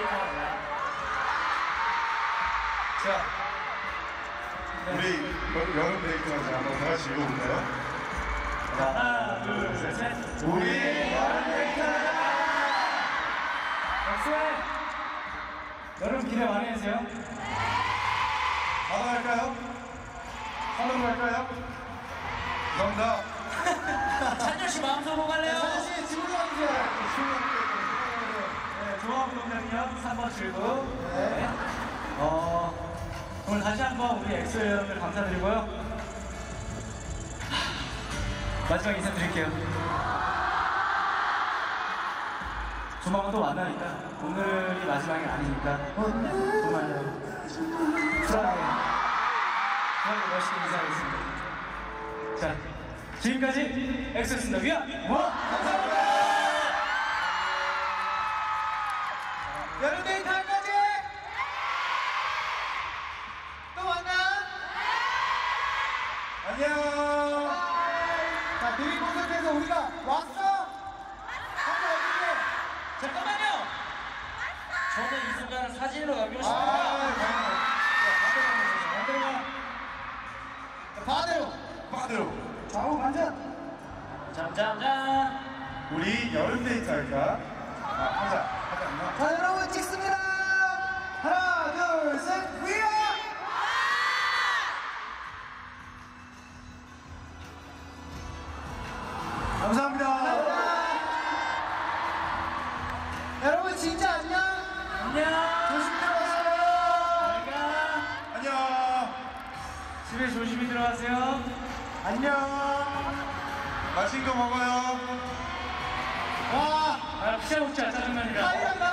자, 우리 여름 데이트하자 한번 다 같이 읽어볼까요? 하나, 둘, 셋. 우리 여름 데이트하자. 박수해. 여러분 기대 많이 해주세요. 바로 갈까요? 하늘로 갈까요? 감사합니다. 찬열 씨 마음속 뭐 갈래요? 찬열 씨 집으로 가주세요. 네, 조합동작역 3번 출구. 네. 오늘 다시 한번 우리 엑소 여러분들 감사드리고요. 마지막 인사드릴게요. 조만간 또 만나니까 오늘이 마지막이 아니니까 정말 쿨하게 멋있게 인사하겠습니다. 자, 지금까지 엑소였습니다. 위아! 감사합니다! 여름 데이트 할 거지? 또 만나? 안녕. 자, 데뷔 콘서트에서 우리가 왔어? 잠깐만요! 저는 이 순간을 사진으로 남기고 싶습니다. 바다로. 좌우 반전! 짠짠짠! 우리 여름 데이트 할까? 하자 않나? 자, 여러분 찍습니다! 하나, 둘, 셋, 위아! 감사합니다. 여러분 진짜 안녕! 안녕! 조심히 들어가세요! 잘가! 안녕. 집에 조심히 들어가세요. 안녕. 맛있는 거 먹어요. 와! 아, 피자 먹자, 짜증나니까.